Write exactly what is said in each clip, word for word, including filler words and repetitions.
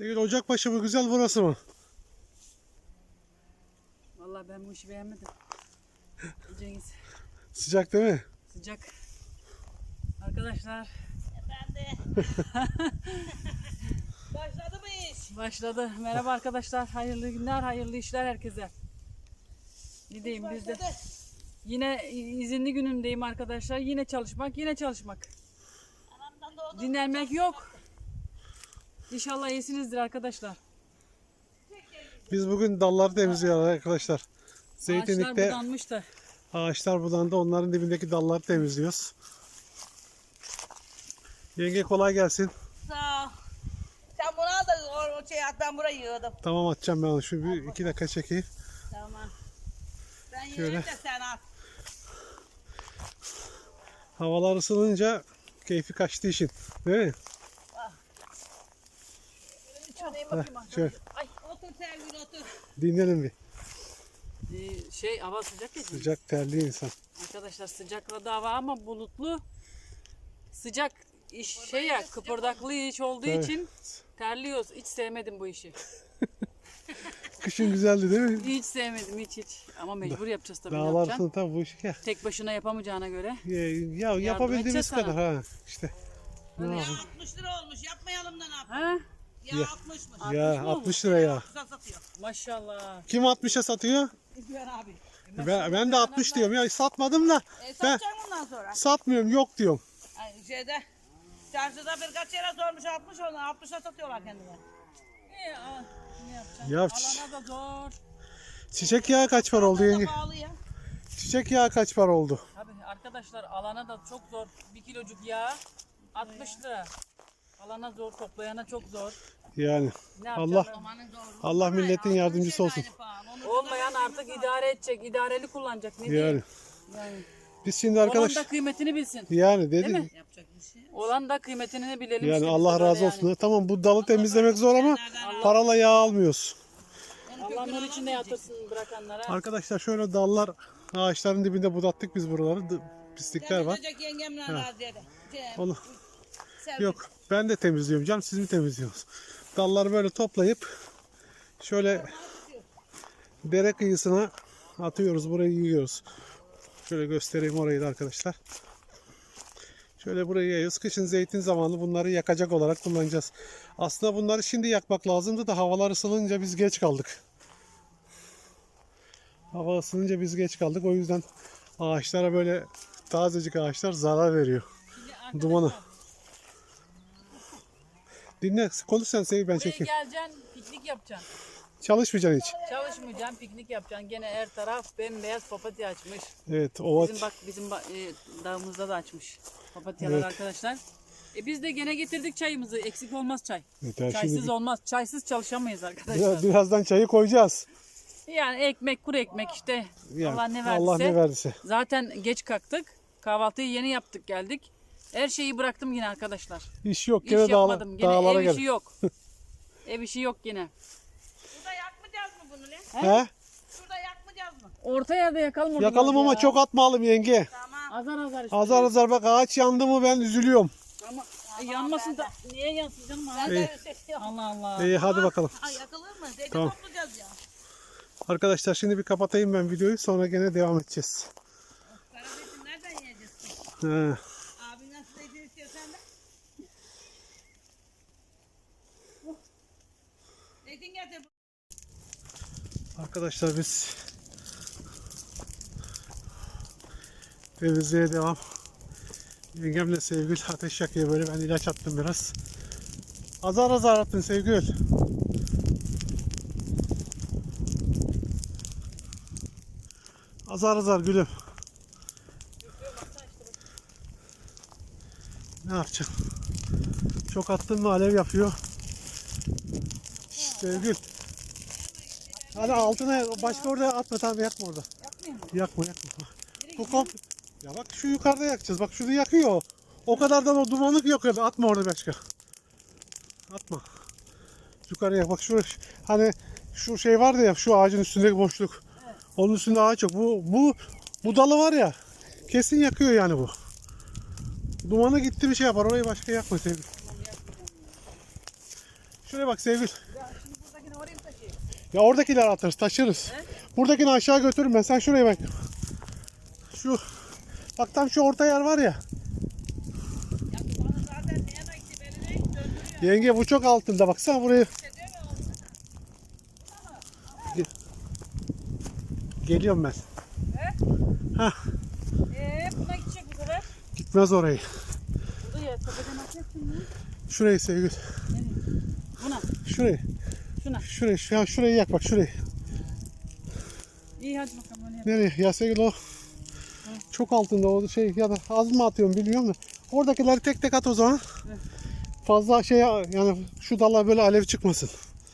Sevgili Ocakbaşı mı güzel, burası mı? Vallahi ben bu işi beğenmedim. Cengiz. Sıcak değil mi? Sıcak. Arkadaşlar. Efendim. Başladı mı iş? Başladı. Merhaba arkadaşlar. Hayırlı günler, hayırlı işler herkese. Ne diyeyim biz de. Yine izinli günümdeyim arkadaşlar. Yine çalışmak, yine çalışmak. Anamdan doğdu. Dinlenmek yok. İnşallah iyisinizdir arkadaşlar. Biz bugün dalları temizliyoruz arkadaşlar. Ağaçlar Zeytinlikte budanmış da. ağaçlar budandı. Onların dibindeki dalları temizliyoruz. Yenge kolay gelsin. Sağ ol. Sen bunu al da o, o şey at, ben burayı yığdım. Tamam, atacağım ben onu. Şu bir iki dakika çekeyim. Tamam. Ben Şöyle. yiyeyim de sen at. Havalar ısınınca keyfi kaçtı işin. Değil mi? Heh, şöyle Ay, otur Sevgili otur. dinlenin bir. Ee, şey hava sıcak ya. Sıcak, terli insan. Arkadaşlar sıcakla da hava ama bulutlu. Sıcak iş şey ya, kıpırdaklı iş olduğu Evet. için terliyoruz. Hiç sevmedim bu işi. Kışın güzeldi değil mi? Hiç sevmedim hiç hiç. Ama mecbur yapacağız tabii. Ne Dağlar yapacaksın? ısındı tabii, bu iş ya. Tek başına yapamayacağına göre. Ya, ya yapabildiğimiz edeceğiz kadar sana. ha. İşte. Ne Ya yapalım? altmış lira olmuş. Yapmayalım da ne yapalım? Ha? Ya, Ya. altmışmış. Ya mı olmuş? altmış lira ya. Güzel satıyor. Maşallah. Kim altmışa satıyor? İzleyen abi. Ben, ben de altmış diyorum ya, satmadım da E, ben satacağım bundan sonra. satmıyorum, yok diyorum. Ay, şeyde. Çarşıda birkaç yere sormuş altmış, onu altmışa satıyorlar kendine. İyi, al. Ne yapacaksın? Ya çi- Alana da zor. çiçek yağı kaç para oldu Ondan da yenge? pahalı ya. Çiçek yağı kaç para oldu? Tabii arkadaşlar alana da çok zor. Bir kilocuk yağ altmış lira. Alana zor, toplayana çok zor. Yani Ne Allah yapacağız? Amanın doğru. Allah Ama milletin ya, yardımcısı şey de olsun. aynı pahalı. Onun Olmayan ucunda artık idare edecek, idareli kullanacak. Ne Yani diyeyim? Yani. biz şimdi Olan arkadaş da kıymetini bilsin. yani Değil dedi mi? yapacak bir şey. Olan da kıymetini bilelim. yani işte biz Allah de razı böyle olsun. Tamam, bu dalı temizlemek zor ama Nereden parayla yağ almıyoruz. Yani. Allah nur içinde yatırsın bırakanlara. Arkadaşlar şöyle dallar, ağaçların dibinde budattık biz buraları. D- Pislikler var. Temizleyecek yengemle razıydı. Şey, Onu Sevgi. yok, ben de temizliyorum canım, siz mi temizliyorsunuz? Dalları böyle toplayıp şöyle dere kıyısına atıyoruz, burayı yığıyoruz. Şöyle göstereyim orayı da arkadaşlar. Şöyle burayı yayıyoruz. Kışın zeytin zamanı bunları yakacak olarak kullanacağız. Aslında bunları şimdi yakmak lazımdı da havalar ısınınca biz geç kaldık. Hava ısınınca biz geç kaldık. O yüzden ağaçlara, böyle tazecik ağaçlar zarar veriyor. Dumanı. Dinle, konuş sen Sevgi, ben Buraya çekeyim. geleceksin, piknik yapacaksın. Çalışmayacaksın hiç. Çalışmayacaksın, piknik yapacaksın. Gene her taraf bembeyaz papatya açmış. Evet, ova. Bizim bak bizim ba- e, dağımızda da açmış papatyalar Evet. arkadaşlar. E biz de gene getirdik çayımızı. Eksik olmaz çay. Yeter, Çaysız şimdi olmaz. Çaysız çalışamayız arkadaşlar. biraz, birazdan çayı koyacağız. Yani ekmek, kuru ekmek işte. Yani Allah ne verdiyse. Allah ne verdiyse. Zaten geç kalktık. Kahvaltıyı yeni yaptık geldik. Her şeyi bıraktım yine arkadaşlar. İş yok, İş gene dağla, yapmadım. Gene dağlara ev işi gel. yok. Ev işi yok yine. Şurada yakmayacağız mı bunu ne? He? Şurada yakmayacağız mı? Orta yerde yakalım onu. Yakalım biraz ama ya. çok atmayalım yenge. Tamam. Azar azar işte. Azar azar bak, ağaç yandı mı ben üzülüyorum. Ama e, yanmasın da. Niye yansın canım? Ben abi? de seviyorum. Allah Allah. İyi, hadi bakalım. Ay yakılır mı? Zeytin Tamam. toplayacağız ya. Arkadaşlar şimdi bir kapatayım ben videoyu, sonra gene devam edeceğiz. Kara zeytin nereden yiyeceğiz? He. Abi nasıl zeytin istiyorsan da. Zeytin getir. Arkadaşlar biz temizliğe devam. Yengemle Sevgül ateş yakıyor, böyle ben ilaç attım biraz. Azar azar attın Sevgül. Azar azar gülüm. Ne yapacaksın? Çok attın mı alev yapıyor. Sevgül. Hadi altına, başka orada atma, tamam, yakma orada. Yakma yakma. Bu komp ya bak, şu yukarıda yakacağız. Bak şurada yakıyor. O kadardan o dumanlık yakıyor. Atma orada başka. Atma. Yukarıya yak. Bak şurada, hani şu şey vardı ya, şu ağacın üstündeki boşluk. Evet. Onun üstünde ağaç yok. Bu bu bu dalı var ya, kesin yakıyor yani bu. Dumanı gitti bir şey yapar. Orayı başka yakma Sevgili. Şuraya bak Sevgül. Ya şimdi buradakini oraya mı taşıyayım? Ya oradakileri atarız, taşırız. He? Buradakini aşağı götürürüm ben. Sen şuraya bak. Şu bak tam şu orta yer var ya. Ya bana zaten ne yana gitti beni ne döndürüyor. Yenge bu çok altında. Baksana buraya. Hissediyor musun? Geliyorum ben. Hah, Eee buna gidecek bu sefer. gitmez orayı. Burada ya tepeden atacaksın ya. Şurayı Sevgül. Nereye? Buna. Şurayı. Şuna. Şurayı. Şu, ya şurayı yak bak şurayı. İyi hadi bakalım öyle yap. Nereye? Ya Sevgül o çok altında o şey ya da az mı atıyorum bilmiyorum da. Oradakileri tek tek at o zaman. Evet. Fazla şey yani şu dala böyle alev çıkmasın.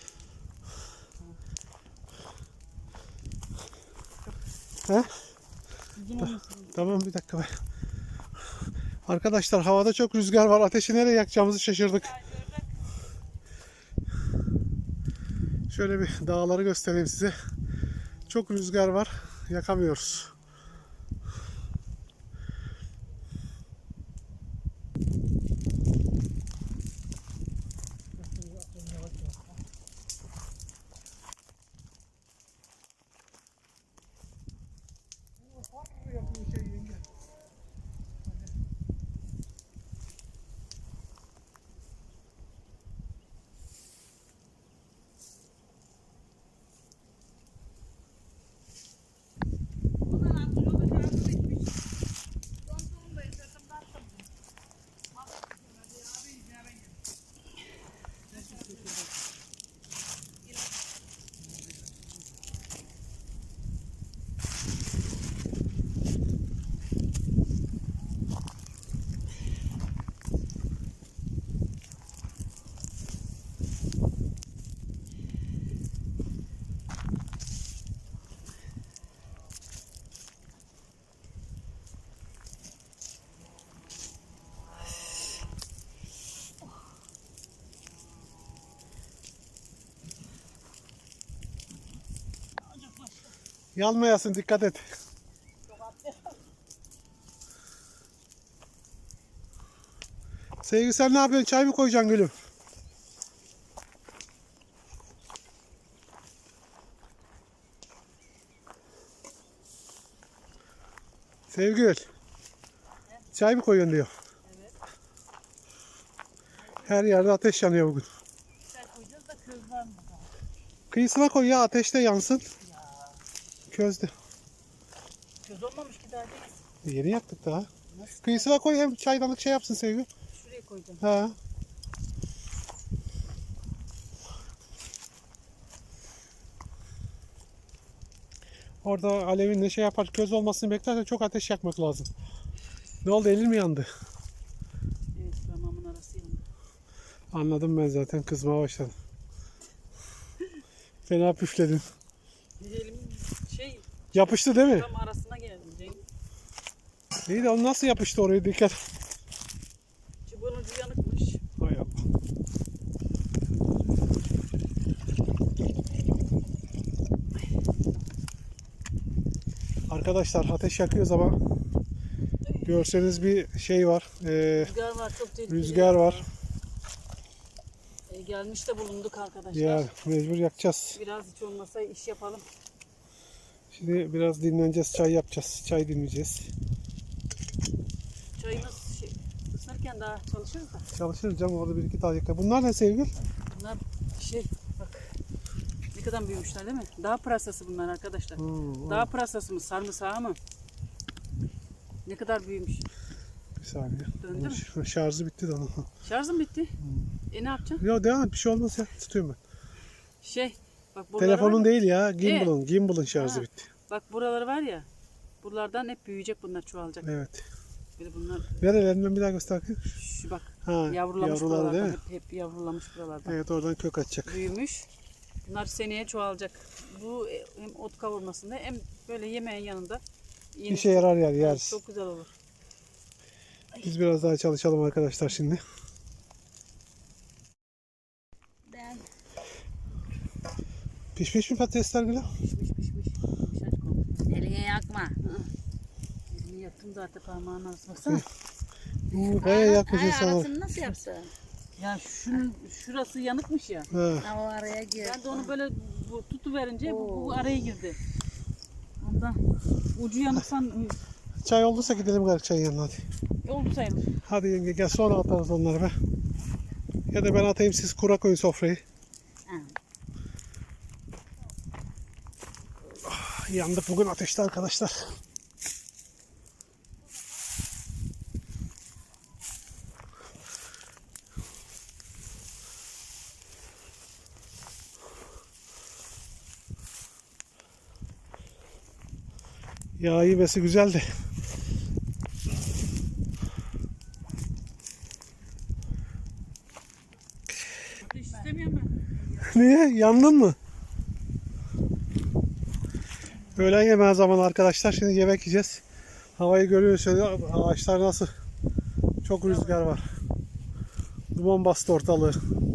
He? Uzun olmasın. Tamam bir dakika be. Arkadaşlar havada çok rüzgar var. Ateşi nereye yakacağımızı şaşırdık. Şöyle bir dağları göstereyim size. Çok rüzgar var. Yakamıyoruz. Bundan altı yolda şarjı bitmiş. Dondum da sırtımda attım. Yanmayasın, dikkat et. Sevgi sen ne yapıyorsun? Çay mı koyacaksın gülüm? Sevgül. Çay mı koyuyorsun diyor. Evet. Her yerde ateş yanıyor bugün. Çay koyacağız da köz var mı? Kıyısına koy ya, ateşte yansın. Közde. Köz olmamış ki daha değil. Yeni yaktık daha. Kıyısına koy, hem çaydanlık şey yapsın Sevgül. Şuraya koyacağım. Ha. Orada alevinle şey yapar, köz olmasını beklersen çok ateş yakmak lazım. Ne oldu, elin mi yandı? Evet parmağımın arası yandı. Anladım ben zaten, kızmaya başladım. Fena püfledin. Elim şey Yapıştı değil mi? tam arasına geldim Cenk. İyi de o nasıl yapıştı oraya, dikkat. Çubuğun ucu yanıkmış. Hay Allah. Arkadaşlar ateş yakıyoruz ama görseniz bir şey var. Ee, Rüzgar var çok tehlikeli. rüzgar var. E, gelmiş de bulunduk arkadaşlar. Ya mecbur yakacağız. Biraz hiç olmasa iş yapalım. Şimdi biraz dinleneceğiz, çay yapacağız. Çay dinleyeceğiz. Çayımız şey, ısınırken daha çalışırız da. Çalışırız canım, orada bir iki dakika. Bunlar ne Sevgül? Bunlar şey bak ne kadar büyümüşler değil mi? Dağ pırasası bunlar arkadaşlar. Hmm, Dağ pırasası mı sarımsağı mı? Ne kadar büyümüş. bir saniye. Döndü mü? Ş- Şarjı bitti de onun. Şarjım bitti. E ne yapacaksın? Yok devam et, bir şey olmaz ya. Tutuyorum ben. Şey bak buraları Telefonun var ya, değil ya, gimbal'ın. Gimbal'ın şarjı Ha. bitti. bak buraları var ya. Buralardan hep büyüyecek bunlar çoğalacak. Evet. Böyle bunlar Nerelerinden bir daha göster. şu bak Ha, yavrulamış yavruları buralardan. değil mi? Hep, hep yavrulamış buralardan. Evet, oradan kök açacak. Büyümüş. Bunlar seneye çoğalacak. Bu e, hem ot kavurmasında hem böyle yemeğin yanında yeni- İşe yarar yani, yeriz. Çok güzel olur. Biz biraz daha çalışalım arkadaşlar şimdi. Ben Pişmiş mi patatesler Gülüm? Pişmiş pişmiş. Pişmiş kol. eline yakma. Elimi yaktım zaten parmağın arasına. Baksana. Uuu bayağı yakmış Ay, insanlar. arasını nasıl yapsın? Ya şunun şurası yanıkmış ya. He. Ha, o araya gir. Ben de onu böyle bu, tutuverince bu, bu araya girdi. Ondan ucu yanıksan Çay olduysa gidelim gari çayın yanına hadi. oldu sayılır. Hadi yenge gel sonra atarız onları be. Ya da ben atayım siz kura koyun sofrayı. Ah, yandık bugün ateşte arkadaşlar. Yağ yemesi güzeldi. Ateş istemiyorum ben. Niye? Yandın mı? Öğlen yemeği zamanı arkadaşlar. Şimdi yemek yiyeceğiz. Havayı görüyorsunuz. Ağaçlar nasıl? Çok rüzgar var. Duman bastı ortalığı.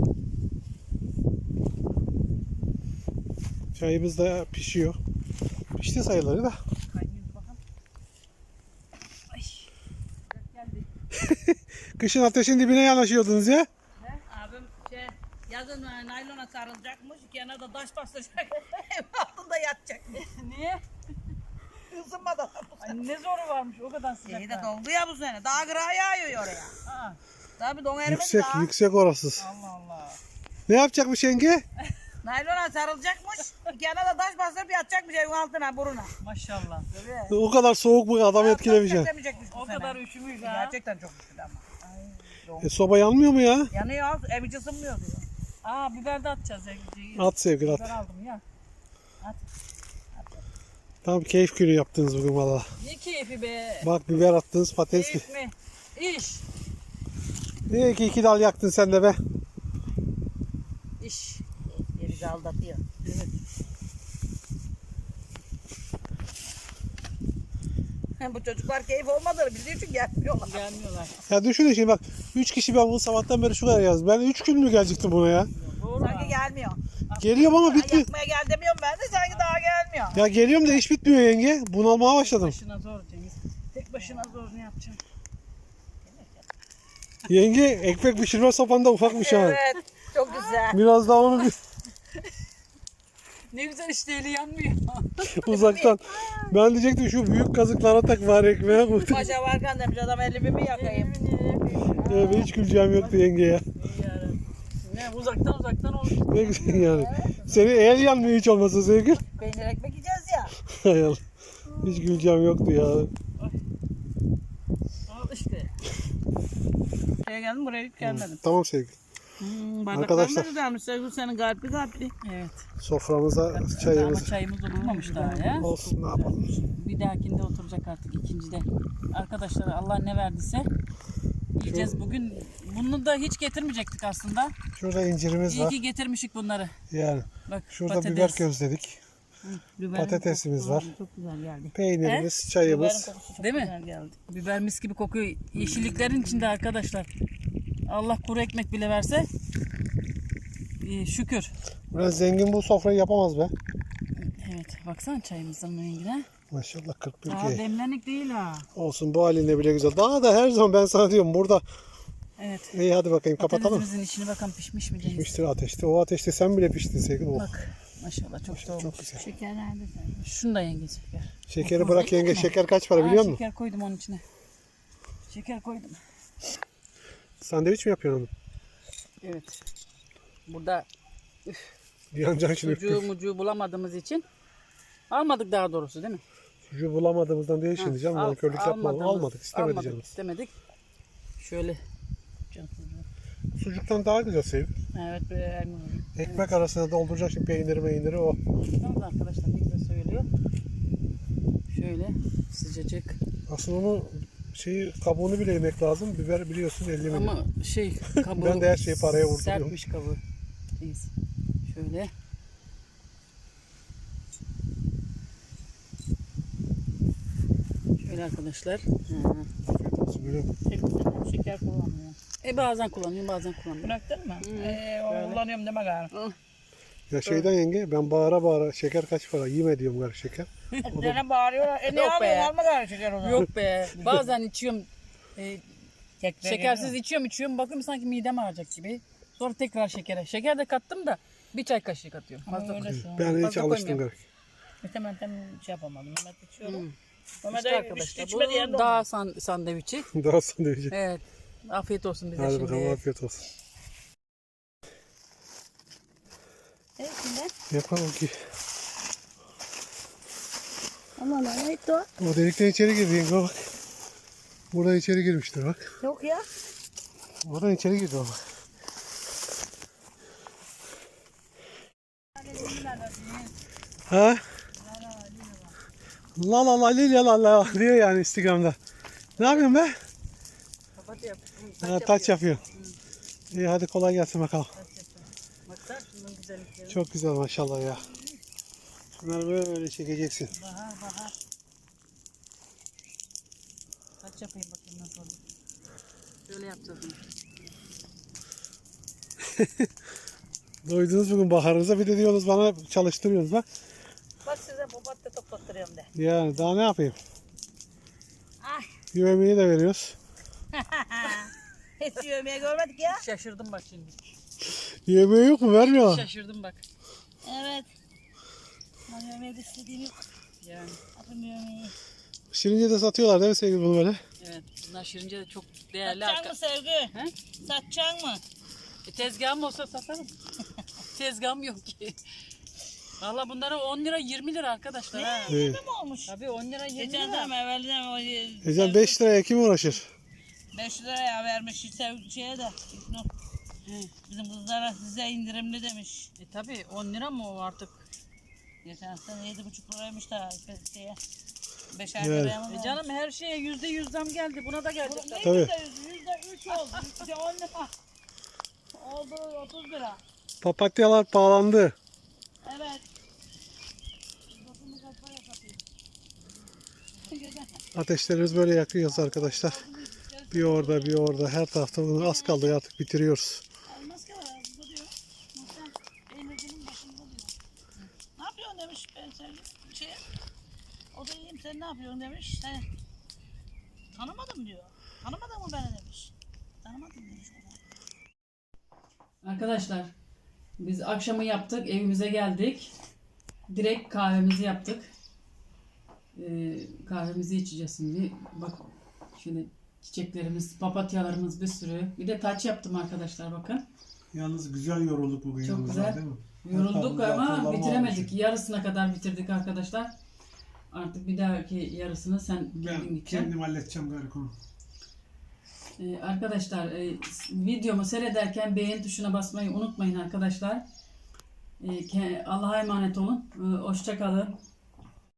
Çayımız da pişiyor. Pişti sayıları da. Kaynıyordu bakalım. Ay. Geldi. Kışın ateşin dibine yanaşıyordunuz ya. Abim şey yazın naylona sarılacakmış. Yanına da taş basacak. Ev altında yatacakmış. Niye? Isınmadan. Ay, ne zoru varmış o kadar sıcak. İyi de doldu ya bu sene. Daha kırağı yağıyor oraya. Ha. Tabii don erimedi Yüksek, daha. yüksek orası. Allah Allah. Ne yapacakmış yenge? Naylona sarılacakmış. Yanına da taş basıp yatacakmış evin altına buruna. Maşallah. Tabii. O kadar soğuk bu adam etkilemeyecek. Etkilemeyecekmiş bu O sene. kadar üşümüş ha. Gerçekten çok üşüdü ama. E, soba yanmıyor mu ya? Yanıyor. Ev hiç ısınmıyor diyor. Aa biber de atacağız ya. At sevgili at. Biber aldım ya. Tam keyif günü yaptınız bugün valla. Ne keyfi be. Bak biber attınız patates. Keyif mi? İş. İyi ki iki dal yaktın sen de be. İş. Bizi aldatıyor. Evet. Bu çocuklar keyif olmadığını bildiği için gelmiyorlar. Gelmiyorlar. Ya düşünün şimdi bak. Üç kişi ben bunu sabahtan beri şu kadar yazdım. Ben üç gün mü gelecektim buna ya? Doğru. Sanki gelmiyor. Geliyorum ama Ay, bitmiyor. yakmaya gel demiyorum ben de sanki daha gelmiyor. Ya geliyorum da iş bitmiyor yenge. Bunalmaya başladım. Başına zor Cengiz. Tek başına zor ne yapacaksın? Yenge ekmek pişirme sopan da ufakmış ha. Evet. Çok güzel. Biraz daha onu bir Ne güzel işte eli yanmıyor. uzaktan. Ben diyecektim şu büyük kazıklara tak var ekmeğe. Paşa varken demiş adam elimi mi yakayım? Evet, hiç güleceğim yoktu yenge ya. İyi yani. Ne uzaktan uzaktan olmuş. Ne güzel yani. Senin el yanmıyor hiç olmasa sevgili. Peynir ekmek yiyeceğiz ya. Hay Allah. Hiç güleceğim yoktu ya. Al işte. Şuraya geldim buraya hiç gelmedim. Tamam sevgili. Hmm, Arkadaşlar. Arkadaşlar. güzelmiş. Sevgili senin kalpli kalpli. Evet. Soframıza Ama çayımız çayımız oturmamış daha ya. olsun ne yapalım. Bir dahakinde oturacak artık ikincide. Arkadaşlar Allah ne verdiyse yiyeceğiz bugün. Bunu da hiç getirmeyecektik aslında. Şurada incirimiz İyi var. ki getirmişik bunları. Yani Bak şurada patates. biber közledik. Biberin Patatesimiz kokusu var. Çok güzel geldi. Peynirimiz, Biberin çayımız. kokusu çok Değil mi? güzel geldi. Biber mis gibi kokuyor. Yeşilliklerin içinde arkadaşlar. Allah kuru ekmek bile verse iyi, şükür. Biraz zengin bu sofrayı yapamaz be. Evet baksana çayımızın rengine. Maşallah kırk bir Daha ki. demlenlik değil ha. Olsun bu halinde bile güzel. Daha da her zaman ben sana diyorum burada. Evet. İyi hadi bakayım kapatalım. Patatesimizin içine bakalım pişmiş mi Cengiz? Piştir ateşte. O ateşte sen bile piştin sevgili. Oh. Bak maşallah çok da olmuş. Çok güzel. Şeker nerede sen? Şunu da yenge şeker. Şekeri bırak yenge. Şeker kaç para Aa, biliyor musun? şeker koydum onun içine. Şeker koydum. Sandviç mi yapıyorsun onu? Evet. Burada Yanacaksın şimdi. sucuğu mucuğu bulamadığımız için almadık daha doğrusu değil mi? Sucuğu bulamadığımızdan değil şimdi canım. Al- Nankörlük yapma. almadığımız- Almadık. istemedi almadık, canımız. istemedik. Şöyle. Can sucuğu. Sucuktan daha güzel sevgili. Evet böyle elma. Ekmek arasına dolduracak şimdi peyniri meyniri o. Tamam da arkadaşlar ne güzel söylüyor. Şöyle sıcacık. Aslında onu şeyi kabuğunu bile yemek lazım. Biber biliyorsun elli milyon. Ama şey kabuğu Ben de her şeyi paraya vurduruyorum. sertmiş kabuğu. Neyse. Şöyle. Şöyle arkadaşlar. Hı. Afiyet olsun gülüm. Şeker kullanmıyor. E bazen kullanıyorum bazen kullanmıyorum. Bıraktın mı? Hmm. Ee, o kullanıyorum deme galiba. Ya şeyden yenge ben bağıra bağıra şeker kaç para yeme diyorum gari şeker. Dene bağırıyorlar. E ne Yok be. almıyorsun? Alma galiba şeker o zaman. Yok be. Bazen içiyorum. E, Tekrar Şekersiz geliyor. içiyorum içiyorum. Bakıyorum sanki midem ağrıyacak gibi. Sonra tekrar şekere. Şeker de kattım da bir çay kaşığı katıyorum. Ama Fazla öyle koyuyorum. şu an. Ben hiç Fazla alıştım koymuyorum. garip. Mehmet ben şey yapamadım. Mehmet içiyorum. Hmm. Mehmet İşte de arkadaşlar içmedi bu yerinde dağ san sandviçi. Daha sandviçi. Evet. Afiyet olsun bize Hadi şimdi. bakalım afiyet olsun. Evet kimden? Yapalım ki. Aman neydi o? O delikten içeri girdi yenge bak. Buradan içeri girmiştir bak. Yok ya. Buradan içeri girdi o bak. Ha? La la la li la la la diyor yani Instagram'da. Ne yapıyorsun be? Papatya yap. Ha, taç yapıyor. İyi hadi kolay gelsin bakalım. Baksana şunun güzellikleri. Çok güzel maşallah ya. Şunları böyle çekeceksin. Bahar bahar. Kaç yapayım bakayım nasıl olur. Şöyle yapacağız bunu. Doydunuz bugün baharınıza bir de diyorsunuz bana çalıştırıyorsunuz bak. Bak size papatya toplattırıyorum de. Yani daha ne yapayım? Ay. Yemeği de veriyoruz. Hiç yemeği görmedik ya. Şaşırdım bak şimdi. Yemeği yok mu? Vermiyorlar. Şaşırdım bak. Evet. Ben yemeği de istediğim yok. Yani Yapın yemeği. Şirince de satıyorlar değil mi sevgili bunu böyle? evet. Bunlar şirince de çok değerli. Satacaksın arka- mı Sevgi? He? Satacaksın mı? E, tezgahım olsa satarım. Tezgahım yok ki. Valla bunlara on lira yirmi lira arkadaşlar ha. Evet. Ne mi olmuş? Tabii on lira yirmi Geçen lira. zaman evvelden o Ecem beş liraya kim uğraşır? beş liraya vermiş sev şeye de. İlknur. He. Bizim kızlara size indirimli demiş. E tabii on lira mı o artık? Geçen sene yedi buçuk liraymış da şeye. Beşer Evet. liraya mı? E canım her şeye yüzde yüz zam geldi. Buna da gelecek. Ne Tabii. yüzde yüz? Yüzde üç oldu. Yüzde on lira. Oldu otuz lira. Papatyalar pahalandı. Evet. Dokuzunu kaç paraya satayım? Ateşlerimiz böyle yakıyoruz arkadaşlar. Bir orada bir orada her tarafta bunu az kaldı artık bitiriyoruz. Elmas ki var ağzında diyor. Muhtemelen peynircinin başında diyor. Ne yapıyorsun demiş ben sen şey. O da iyiyim sen ne yapıyorsun demiş. Sen tanımadım diyor. Tanımadın mı beni demiş. Tanımadım demiş ona. Arkadaşlar biz akşamı yaptık. Evimize geldik. Direkt kahvemizi yaptık. Ee, kahvemizi içeceğiz şimdi. Bak şöyle çiçeklerimiz, papatyalarımız bir sürü. Bir de taç yaptım arkadaşlar bakın. Yalnız güzel yorulduk bugün. Çok yalnız, güzel. değil mi? Yorulduk Hatta ama kullanma bitiremedik. almışım. Yarısına kadar bitirdik arkadaşlar. Artık bir dahaki yarısını sen kendin Ben gideceksin. kendim halledeceğim galiba onu. Ee, arkadaşlar e, videomu seyrederken beğen tuşuna basmayı unutmayın arkadaşlar. Ee, ke- Allah'a emanet olun. Ee, hoşça kalın.